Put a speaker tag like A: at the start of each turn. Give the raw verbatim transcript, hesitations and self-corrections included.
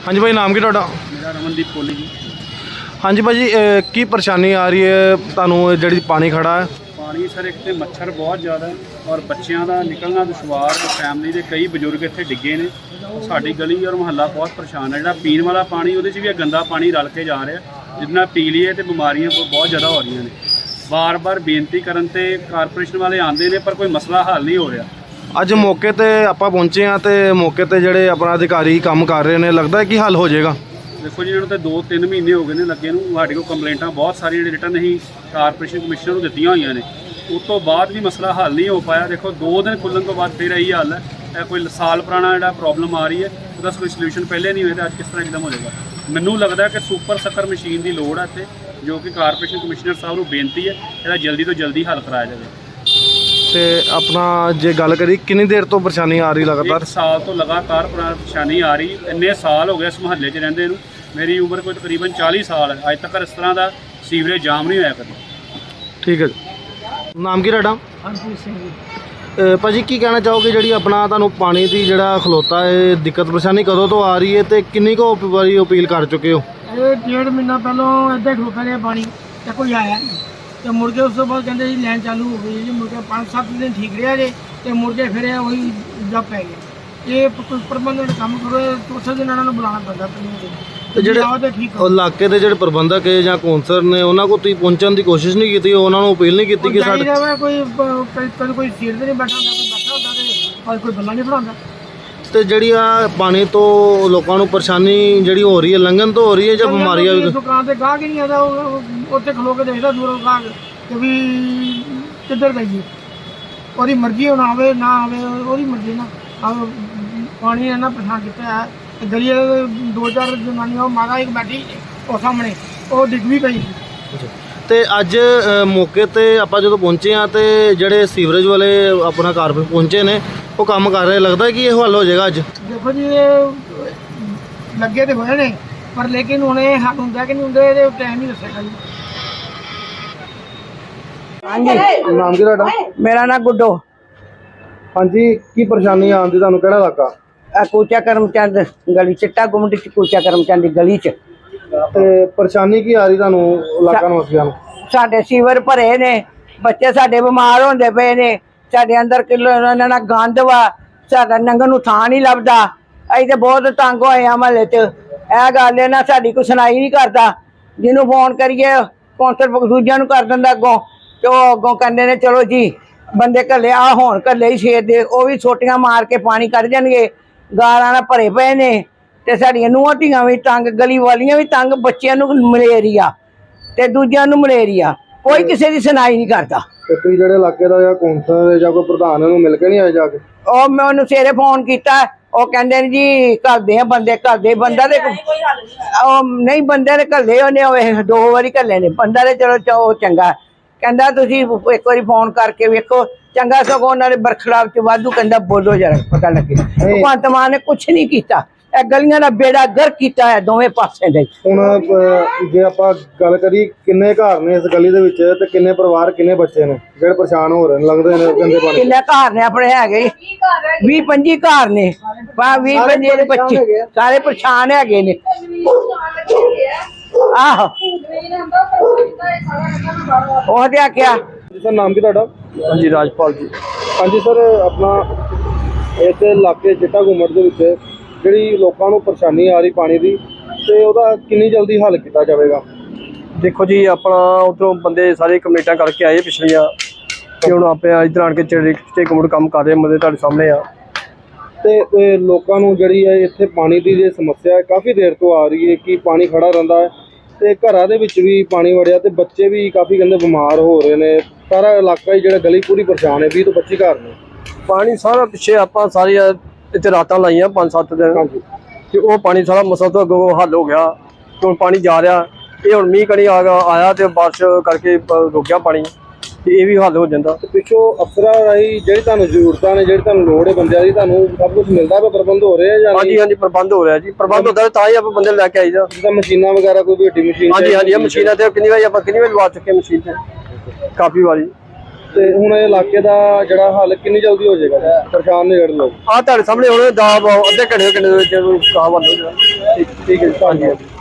A: हाँ जी भाई, नाम की ਤੁਹਾਡਾ?
B: मेरा रमनदीप कोहली जी।
A: हाँ जी भाजी, की परेशानी आ रही है ਤੁਹਾਨੂੰ ਜਿਹੜੀ ਪਾਣੀ ਖੜਾ ਹੈ?
B: पानी सर एक तो मच्छर बहुत ज़्यादा और बच्चों का निकलना दुशवार, फैमिली के कई बजुर्ग इतने डिगे ने। साड़ी गली और मुहल्ला बहुत परेशान है। जो पीने वाला पानी वो भी गंदा पानी रल के जा रहा, जितना पी लीए तो बीमारियां बहुत ज़्यादा हो रही ने। बार बार बेनती करन ते कारपोरेशन वाले आते हैं पर कोई मसला हल नहीं हो रहा।
A: ਅੱਜ ਮੌਕੇ ਤੇ ਆਪਾਂ ਪਹੁੰਚੇ ਹਾਂ ਤੇ ਮੌਕੇ ਤੇ ਜਿਹੜੇ ਆਪਣਾ ਅਧਿਕਾਰੀ ਕੰਮ ਕਰ ਰਹੇ ਨੇ, ਲੱਗਦਾ ਕਿ ਹੱਲ ਹੋ ਜਾਏਗਾ।
B: देखो जी, इन्होंने तो दो तीन महीने हो गए ने लगे नूं। साडे कोल कंप्लेंटां बहुत सारियां रिटन ही कारपोरेशन कमिश्नर नूं दित्तियां होईयां ने, उस तो बाद भी मसला हल नहीं हो पाया। देखो दो दिन खुल्लण तो बाद फिर यही हाल है। यह कोई साल पुराना जो प्रॉब्लम आ रही है उसका कोई सल्यूशन पहले नहीं हुए तो अज किस तरह एकदम हो जाएगा। मैनूं लगता है कि सुपर सकर मशीन की लोड़ है इत्थे, जो कि कारपोरेशन कमिश्नर साहब नूं बेनती है इसदा जल्दी तो जल्दी हल कराया जाए।
A: ਤੇ ਆਪਣਾ ਜੇ ਗੱਲ ਕਰੀ ਕਿੰਨੀ ਦੇਰ ਤੋਂ ਪਰੇਸ਼ਾਨੀ ਆ ਰਹੀ ਲਗਾਤਾਰ?
B: एक साल तो लगातार परेशानी आ रही। इन्ने साल हो गए इस मुहल्ले च रहिंदे नूं। मेरी उम्र कोई तकरीबन चालीस साल है, अज तक इस तरह का सीवरेज जाम नहीं होया कभी।
A: ਠੀਕ ਹੈ ਜੀ। ਨਾਮ ਕੀ ਤੁਹਾਡਾ?
C: हरप्रीत सिंह जी।
A: ਅ, ਭਾਜੀ ਕੀ ਕਹਿਣਾ ਚਾਹੋਗੇ ਜਿਹੜੀ ਆਪਣਾ ਤੁਹਾਨੂੰ ਪਾਣੀ ਦੀ ਜਿਹੜਾ ਖਲੋਤਾ ਹੈ ਦਿੱਕਤ ਪਰੇਸ਼ਾਨੀ ਕਦੋਂ ਤੋਂ ਆ ਰਹੀ ਹੈ ਤੇ ਕਿੰਨੀ ਕੁ ਵਾਰੀ ਅਪੀਲ ਕਰ ਚੁੱਕੇ ਹੋ?
C: ਇਹ ਡੇਢ ਮਹੀਨਾ ਪਹਿਲਾਂ ਇੱਦਾਂ ਖਲੋਤਾ ਰਿਹਾ ਪਾਣੀ ਤੇ ਕੋਈ ਆਇਆ ਨਹੀਂ ਤੇ ਮੁੜ ਕੇ ਉਸ ਤੋਂ ਬਾਅਦ ਕਹਿੰਦੇ ਜੀ ਲਾਈਨ ਚਾਲੂ ਹੋ ਗਈ ਜੀ। ਮੁੜ ਕੇ ਪੰਜ ਸੱਤ ਦਿਨ ਠੀਕ ਰਿਹਾ ਜੇ ਤੇ ਮੁੜ ਕੇ ਫਿਰ ਉਹੀ ਜੱਪ ਪੈ ਗਿਆ। ਇਹ ਕੋਈ ਪ੍ਰਬੰਧਨ ਕੰਮ ਕਰੋ, ਚੌਥੇ ਦਿਨ ਇਹਨਾਂ ਨੂੰ ਬੁਲਾਉਣਾ ਪੈਂਦਾ ਪੀਣ
A: ਤੇ ਜਿਹੜੇ
C: ਆਓ ਤੇ ਠੀਕ
A: ਉਹ ਇਲਾਕੇ ਦੇ ਜਿਹੜੇ ਪ੍ਰਬੰਧਕ ਹੈ ਜਾਂ ਕੌਂਸਲਰ ਨੇ ਉਹਨਾਂ ਕੋਲ ਤੁਸੀਂ ਪਹੁੰਚਣ ਦੀ ਕੋਸ਼ਿਸ਼ ਨਹੀਂ ਕੀਤੀ, ਉਹਨਾਂ ਨੂੰ ਅਪੀਲ ਨਹੀਂ ਕੀਤੀ ਕਿ ਸਾਡੇ
C: ਕੋਈ ਕਦੇ ਕੋਈ ਸੀਟ ਤੇ ਨਹੀਂ ਬੈਠਾ ਹੁੰਦਾ, ਕੋਈ ਬੈਠਾ ਹੁੰਦਾ ਤੇ ਕੋਈ ਬੰਦਾ ਨਹੀਂ ਫੜਾਉਂਦਾ।
A: ਤੇ ਜਿਹੜੀ ਆ ਪਾਣੀ ਤੋਂ ਲੋਕਾਂ ਨੂੰ ਪਰੇਸ਼ਾਨੀ ਜਿਹੜੀ ਹੋ ਰਹੀ ਹੈ ਲੰਘਣ ਤੋਂ ਹੋ ਰਹੀ ਹੈ ਜਾਂ ਬਿਮਾਰੀਆਂ ਵੀ?
C: ਦੁਕਾਨ ਤੇ ਗਾਹਕ ਹੀ ਨਹੀਂ ਆਦਾ, ਉੱਥੇ ਖਲੋ ਕੇ ਦੇਖਦਾ ਦੂਰੋਂ ਗਾਹਕ ਕਿ ਵੀ ਕਿੱਧਰ ਗਈ। ਉਹਦੀ ਮਰਜ਼ੀ ਹੁਣ ਆਵੇ ਨਾ ਆਵੇ, ਉਹਦੀ ਮਰਜ਼ੀ ਨਾ ਆਵੇ। ਪਾਣੀ ਨੇ ਨਾ ਪਰੇਸ਼ਾਨ ਕੀਤਾ ਹੈ। ਗਲੀ ਦੇ ਦੋ ਚਾਰ ਜਨਾਨੀਆਂ, ਉਹ ਮਾਤਾ ਇੱਕ ਬੈਠੀ ਉਹ ਸਾਹਮਣੇ, ਉਹ ਡਿੱਗ ਵੀ ਪਈ।
A: ਤੇ ਅੱਜ ਅ, ਮੌਕੇ ਤੇ ਆਪਾਂ ਜਦੋਂ ਪਹੁੰਚੇ ਆ ਤੇ ਜਿਹੜੇ ਸੀਵਰੇਜ ਵਾਲੇ ਆਪਣਾ ਕਾਰਪੋਰੇਟ ਪਹੁੰਚੇ ਨੇ ਉਹ ਕੰਮ ਕਰ ਰਹੇ, ਲੱਗਦਾ ਕਿ ਇਹ ਹੱਲ ਹੋ ਜਾਏਗਾ ਅੱਜ?
C: ਦੇਖੋ ਜੀ, ਇਹ ਲੱਗੇ ਤੇ ਹੋਏ ਨੇ ਪਰ ਲੇਕਿਨ ਹੁਣ ਇਹ ਹੱਲ ਹੁੰਦਾ ਕਿ ਨਹੀਂ ਹੁੰਦਾ ਇਹਦੇ ਟਾਈਮ ਹੀ ਦੱਸੇਗਾ ਜੀ।
D: ਹਾਂਜੀ,
A: ਨਾਮ ਕੀ ਤੁਹਾਡਾ?
D: ਮੇਰਾ ਨਾਂ ਗੁੱਡੋ।
A: ਹਾਂਜੀ, ਕੀ ਪਰੇਸ਼ਾਨੀ ਆਉਂਦੀ ਤੁਹਾਨੂੰ? ਕਿਹੜਾ ਇਲਾਕਾ?
D: ਆ ਕੂਚਾ ਕਰਮਚੰਦ ਗਲੀ, ਚਿੱਟਾ ਗੁੰਮਟ ਚ ਕੂਚਾ ਕਰਮਚੰਦ ਦੀ ਗਲੀ ਚ।
A: ਤੇ ਪਰੇਸ਼ਾਨੀ ਕੀ ਆ ਰਹੀ ਤੁਹਾਨੂੰ ਇਲਾਕਾ ਨਿਵਾਸੀਆਂ ਨੂੰ?
D: ਸਾਡੇ ਸੀਵਰ ਭਰੇ ਨੇ, ਬੱਚੇ ਸਾਡੇ ਬਿਮਾਰ ਹੁੰਦੇ ਪਏ ਨੇ, ਸਾਡੇ ਅੰਦਰ ਕਿਲੋ ਇਹਨਾਂ ਨਾਲ ਗੰਦ ਵਾ, ਸਾਡਾ ਨੰਗਣ ਨੂੰ ਥਾਂ ਨਹੀਂ ਲੱਭਦਾ। ਅਸੀਂ ਤੇ ਬਹੁਤ ਤੰਗ ਹੋਏ ਆ ਮਹੱਲੇ ਚ। ਇਹ ਗੱਲ ਹੈ ਨਾ, ਸਾਡੀ ਕੋਈ ਸੁਣਾਈ ਨਹੀਂ ਕਰਦਾ। ਜਿਹਨੂੰ ਫੋਨ ਕਰੀਏ ਕੌਂਸਲ ਦੂਜਿਆਂ ਨੂੰ ਕਰ ਦਿੰਦਾ ਅੱਗੋਂ, ਤੇ ਉਹ ਅੱਗੋਂ ਕਹਿੰਦੇ ਨੇ ਚਲੋ ਜੀ ਬੰਦੇ ਘੱਲੇ ਆ, ਹੁਣ ਘੱਲੇ ਹੀ ਛੇਦ ਦੇ, ਉਹ ਵੀ ਛੋਟੀਆਂ ਮਾਰ ਕੇ ਪਾਣੀ ਕੱਢ ਜਾਣਗੇ। ਗਾਲਾਂ ਨਾਲ ਭਰੇ ਪਏ ਨੇ ਤੇ ਸਾਡੀਆਂ ਨੂੰਹਾਂ ਧੀਆਂ ਵੀ ਤੰਗ, ਗਲੀ ਵਾਲੀਆਂ ਵੀ ਤੰਗ, ਬੱਚਿਆਂ ਨੂੰ ਮਲੇਰੀਆ ਤੇ ਦੂਜਿਆਂ ਨੂੰ ਮਲੇਰੀਆ। ਕੋਈ ਕਿਸੇ ਦੀ ਸੁਣਾਈ ਨਹੀਂ ਕਰਦਾ।
A: ਤੇ ਤੁਸੀਂ ਜਿਹੜੇ ਇਲਾਕੇ ਦਾ ਜਾਂ ਕੌਂਸਲਰ ਜਾਂ ਕੋਈ ਪ੍ਰਧਾਨ ਨੂੰ ਮਿਲ ਕੇ ਨਹੀਂ ਆਏ ਜਾ ਕੇ?
D: ਉਹ ਮੈਂ ਉਹਨੂੰ ਸਵੇਰੇ ਫੋਨ ਕੀਤਾ, ਉਹ ਕਹਿੰਦੇ ਨੇ ਜੀ ਘੱਲਦੇ ਆ ਬੰਦੇ, ਘੱਲਦੇ ਬੰਦਾ ਤੇ ਉਹ ਨਹੀਂ, ਬੰਦੇ ਨੇ ਘੱਲੇ ਉਹਨੇ ਉਹ ਦੋ ਵਾਰੀ ਘੱਲੇ ਨੇ। ਬੰਦਾ ਤੇ ਚਲੋ ਉਹ ਚੰਗਾ, ਕਹਿੰਦਾ ਤੁਸੀਂ ਇੱਕ ਵਾਰੀ ਫੋਨ ਕਰਕੇ ਵੇਖੋ। ਚੰਗਾ ਸਗੋਂ ਉਹਨਾਂ ਦੇ ਬਰਖਲਾਫ ਚ ਵਾਧੂ ਕਹਿੰਦਾ ਬੋਲੋ ਜਰਾ ਪਤਾ ਲੱਗੇ। ਭਗਵੰਤ ਮਾਨ ਨੇ ਕੁਛ ਨਹੀਂ ਕੀਤਾ, ਇਹ ਗਲੀਆਂ ਦਾ ਬੇੜਾ ਗਰਕ ਕੀਤਾ ਹੈ ਦੋਵੇਂ ਪਾਸੇ ਦੇ।
A: ਹੁਣ ਜੇ ਆਪਾਂ ਗੱਲ ਕਰੀ ਕਿੰਨੇ ਘਰ ਨੇ ਇਸ ਗਲੀ ਦੇ ਵਿੱਚ ਤੇ ਕਿੰਨੇ ਪਰਿਵਾਰ, ਕਿੰਨੇ ਬੱਚੇ ਨੇ ਜਿਹੜੇ ਪਰੇਸ਼ਾਨ ਹੋ ਰਹੇ ਨੇ ਲੰਘਦੇ ਨੇ ਗੰਦੇ ਪਾਣੀ?
D: ਕਿੰਨੇ ਘਰ ਨੇ ਆਪਣੇ ਹੈਗੇ? ਵੀਹ ਪੰਜੀ ਘਰ ਨੇ। ਵੀਹ ਪੰਜੀ ਦੇ ਬੱਚੇ ਸਾਰੇ ਪਰੇਸ਼ਾਨ ਹੈਗੇ ਨੇ। ਆਹੋ ਉਹ ਤੇ ਆਖਿਆ।
A: ਸਰ, ਨਾਮ ਕੀ ਤੁਹਾਡਾ?
B: ਹਾਂਜੀ, राजपाल जी।
A: ਹਾਂਜੀ ਸਰ, ਆਪਣਾ ਇਸ ਇਲਾਕੇ ਚਿੱਟਾ ਗੁੰਮਟ ਦੇ ਵਿੱਚ ਜਿਹੜੀ ਲੋਕਾਂ ਨੂੰ ਪਰੇਸ਼ਾਨੀ ਆ ਰਹੀ ਪਾਣੀ ਦੀ, ਤੇ ਉਹਦਾ ਕਿੰਨੀ ਜਲਦੀ ਹੱਲ ਕੀਤਾ ਜਾਵੇਗਾ?
E: देखो जी, अपना उधरों बंदे सारे कमेटियां करके आए पिछलियां कि हुण आपे इधर आण के चिट्टे गुंमट काम कर रहे हैं, तुहाडे सामने आ।
A: ਤੇ ਇਹ ਲੋਕਾਂ ਨੂੰ ਜਿਹੜੀ ਹੈ ਇੱਥੇ ਪਾਣੀ ਦੀ ਜੇ ਸਮੱਸਿਆ ਹੈ ਕਾਫੀ ਦੇਰ ਤੋਂ ਆ ਰਹੀ ਹੈ ਕਿ ਪਾਣੀ ਖੜਾ ਰਹਿੰਦਾ ਹੈ ਤੇ ਘਰਾਂ ਦੇ ਵਿੱਚ ਵੀ ਪਾਣੀ ਵੜਿਆ ਤੇ ਬੱਚੇ ਵੀ ਕਾਫੀ ਕਹਿੰਦੇ ਬਿਮਾਰ ਹੋ ਰਹੇ ਨੇ। ਸਾਰਾ ਇਲਾਕਾ ਹੀ ਜਿਹੜਾ ਗਲੀ ਪੂਰੀ ਪਰੇਸ਼ਾਨ ਹੈ। ਵੀਹ ਤੋਂ ਪੱਚੀ ਘਰ ਨੇ।
E: पानी सारा पिछे आपां सारी इत्थे रातां लाइयां पांच सत्त दिन, ते वो पानी सारा मसला तो अगों हल हो गया। हुण पानी जा रहा, ये हुण मींह कणी आ गया आया ते बारिश करके रुक गया पानी, ते ये भी हल हो जांदा।
A: ਤੇ ਪਿੱਛੋਂ ਅਫਸਰਾਂ ਰਾਹੀਂ ਜਿਹੜੀ ਤੁਹਾਨੂੰ ਜ਼ਰੂਰਤਾਂ ਨੇ, ਜਿਹੜੀ ਤੁਹਾਨੂੰ ਲੋੜ ਹੈ ਬੰਦਿਆਂ ਦੀ, ਤੁਹਾਨੂੰ ਸਭ ਕੁਝ ਮਿਲਦਾ ਵਾ? ਪ੍ਰਬੰਧ ਹੋ ਰਹੇ ਆ ਜਾਂ
E: हाँ जी हाँ जी, प्रबंध हो रहा है जी। प्रबंध होता है तां ही आपां बंदे लैके आईदा।
A: ਜਿੱਦਾਂ ਮਸ਼ੀਨਾਂ ਵਗੈਰਾ, ਕੋਈ ਵੱਡੀ ਮਸ਼ੀਨ?
E: हाँ जी हाँ जी, मशीनां ते कितनी बारी आपां कितनी बारी लवा चुके मशीन ते, काफ़ी बारी।
A: ਤੇ ਹੁਣ ਇਹ ਇਲਾਕੇ ਦਾ ਜਿਹੜਾ ਹੱਲ ਕਿੰਨੀ ਜਲਦੀ ਹੋ ਜਾਏਗਾ ਜੀ? ਪਰੇਸ਼ਾਨ ਨੇ ਜਿਹੜੇ ਲੋਕ।
E: ਆ ਤੁਹਾਡੇ ਸਾਹਮਣੇ ਹੁਣ ਦਾ ਅੱਧੇ ਘੰਟੇ ਘੰਟੇ ਦੇ ਵਿੱਚ ਕਾਹ ਬੰਦ ਹੋ ਜਾਣਾ।
A: ਠੀਕ ਠੀਕ ਹੈ ਜੀ, ਧੰਨਵਾਦ।